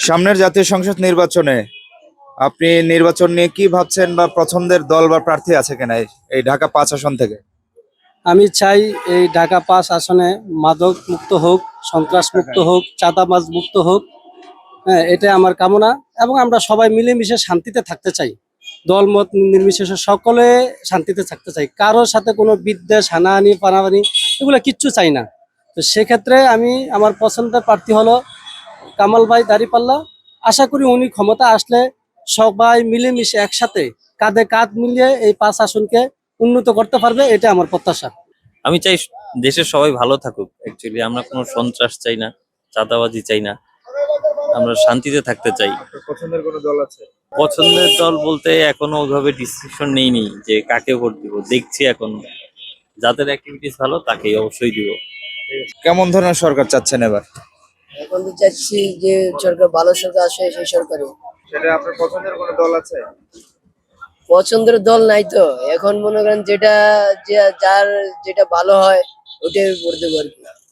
সামনের জাতীয় সংসদ নির্বাচনে আপনি নির্বাচন নিয়ে কি ভাবছেন বা পছন্দের দল বা প্রার্থী আছে কিনা এই ঢাকা ৫ আসন থেকে? আমি চাই এই ঢাকা ৫ আসনে মাদক মুক্ত হোক, সন্ত্রাস মুক্ত হোক, চাঁদাবাজ মুক্ত হোক। হ্যাঁ, এটা আমার কামনা। এবং আমরা সবাই মিলেমিশে শান্তিতে থাকতে চাই। দলমত নির্বিশেষে সকলে শান্তিতে থাকতে চাই। কারোর সাথে কোনো বিদ্বেষ, হানাহানি, পানাহানি এগুলো কিচ্ছু চাই না। তো সেক্ষেত্রে আমার পছন্দের প্রার্থী হলো কামাল ভাই দাঁড়িপাল্লা। আশা করি উনি ক্ষমতা আসলে সবাই মিলেমিশে একসাথে কাঁধে কাঁধ মিলিয়ে এই ৫ আসনকে উন্নত করতে পারবে, এটা আমার প্রত্যাশা। আমি চাই দেশের সবাই ভালো থাকুক। অ্যাকচুয়ালি আমরা কোনো সন্ত্রাস চাই না, চাঁদাবাজি চাই না, আমরা শান্তিতে থাকতে চাই। পছন্দের কোনো দল আছে? পছন্দের দল বলতে এখনো ওইভাবে ডিসিশন নেইনি যে কাকে ভোট দিব, দেখছি এখন যাদের অ্যাক্টিভিটিস ভালো তাকেই অবশ্যই দিব। কেমন ধরনের সরকার চাচ্ছেন এবার? এখন তো চাচ্ছি যে সরকার ভালো সরকার আসে, সেই সরকারে। সেটা আপনার পছন্দের কোনো দল আছে? পছন্দের দল নাই তো, এখন মনে করেন যেটা যার যেটা ভালো হয় ওটাই করতে পারবো।